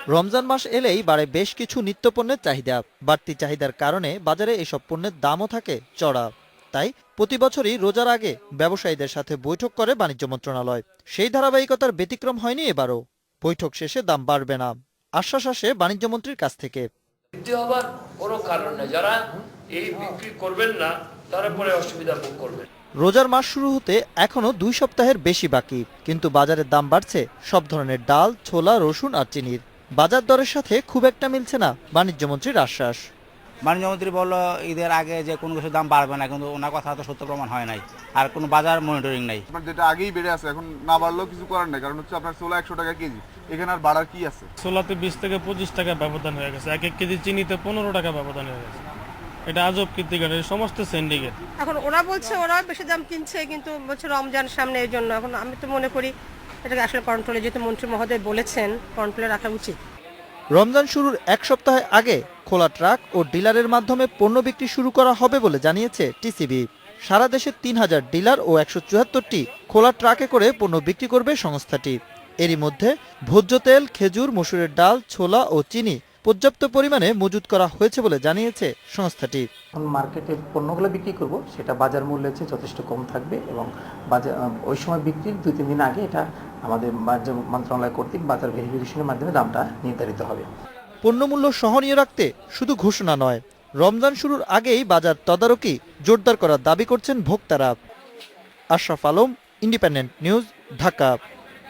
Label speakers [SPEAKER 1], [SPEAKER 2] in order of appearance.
[SPEAKER 1] রমজান মাস এলেই বাড়ে বেশ কিছু নিত্যপণ্যের চাহিদা। বাড়তি চাহিদার কারণে বাজারে এসব পণ্যের দামও থাকে চড়া। তাই প্রতি বছরই রোজার আগে ব্যবসায়ীদের সাথে বৈঠক করে বাণিজ্য মন্ত্রণালয়। সেই ধারাবাহিকতার ব্যতিক্রম হয়নি এবারও। বৈঠক শেষে দাম বাড়বে না আশ্বাস আসে বাণিজ্যমন্ত্রীর কাছ থেকে।
[SPEAKER 2] বৃদ্ধি হবার কোনো কারণ নেই, যারা এই বিক্রি করবেন না তারা পরে অসুবিধা ভোগ করবেন।
[SPEAKER 1] রোজার মাস শুরু হতে এখনো 2 সপ্তাহের বেশি বাকি, কিন্তু বাজারের দাম বাড়ছে সব ধরনের ডাল, ছোলা, রসুন আর চিনির। বাজার দরের সাথে খুব একটা মিলছে না বাণিজ্যমন্ত্রীর আশ্বাস।
[SPEAKER 3] বাণিজ্যমন্ত্রী বলল ঈদের আগে যে কোনো কিছুর দাম বাড়বে না, কিন্তু ওনার কথা তো সত্য প্রমাণ হয় নাই, আর কোনো বাজার মনিটরিং নাই।
[SPEAKER 4] যেটা আগেই বেড়ে আছে, এখন না বাড়লেও কিছু করার নেই, কারণ হচ্ছে আপনার ছোলা 100 টাকা কেজি, এখানে আর বাড়ার কি আছে?
[SPEAKER 5] ছোলাতে 20 থেকে 25 টাকা ব্যবধান হয়ে গেছে, 1 কেজি চিনিতে 15 টাকা ব্যবধান হয়ে গেছে। এটা আজব কীর্তিকার, সমস্ত সিন্ডিকেট।
[SPEAKER 6] এখন ওরা বলছে ওরা বেশি দাম কিনছে, কিন্তু বলছে রমজান সামনে, এই জন্য এখন আমি তো মনে করি এটাকে আসলে কন্ট্রোলে, যেহেতু মন্ত্রী মহোদয় বলেছেন কন্ট্রোলে রাখা উচিত।
[SPEAKER 1] রমজান শুরুর 1 সপ্তাহ আগে খোলা ট্রাক ও ডিলারের মাধ্যমে পণ্য বিক্রি শুরু করা হবে বলে জানিয়েছে টিসিবি। সারা দেশে 3000 ডিলার ও 174টি খোলা ট্রাকে করে পণ্য বিক্রি করবে সংস্থাটি। এরই মধ্যে ভোজ্য তেল, খেজুর, মসুরের ডাল, ছোলা ও চিনি পর্যাপ্ত পরিমাণে মজুত করা হয়েছে বলে জানিয়েছে সংস্থাটি।
[SPEAKER 7] মার্কেটে পণ্যগুলো বিক্রি করব, সেটা বাজার মূল্যের চেয়ে যথেষ্ট কম থাকবে এবং বাজার ওই সময় বিক্রির 2-3 দিন আগে এটা আমাদের বাণিজ্য মন্ত্রণালয় কর্তৃক বাজার ভেরিফিকেশনের মাধ্যমে দামটা নির্ধারিত হবে।
[SPEAKER 1] পণ্যমূল্য সহনীয় রাখতে শুধু ঘোষণা নয়, রমজান শুরুর আগেই বাজার তদারকি জোরদার করার দাবি করছেন ভোক্তারা। Ashraf Alam, independent news, Dhaka.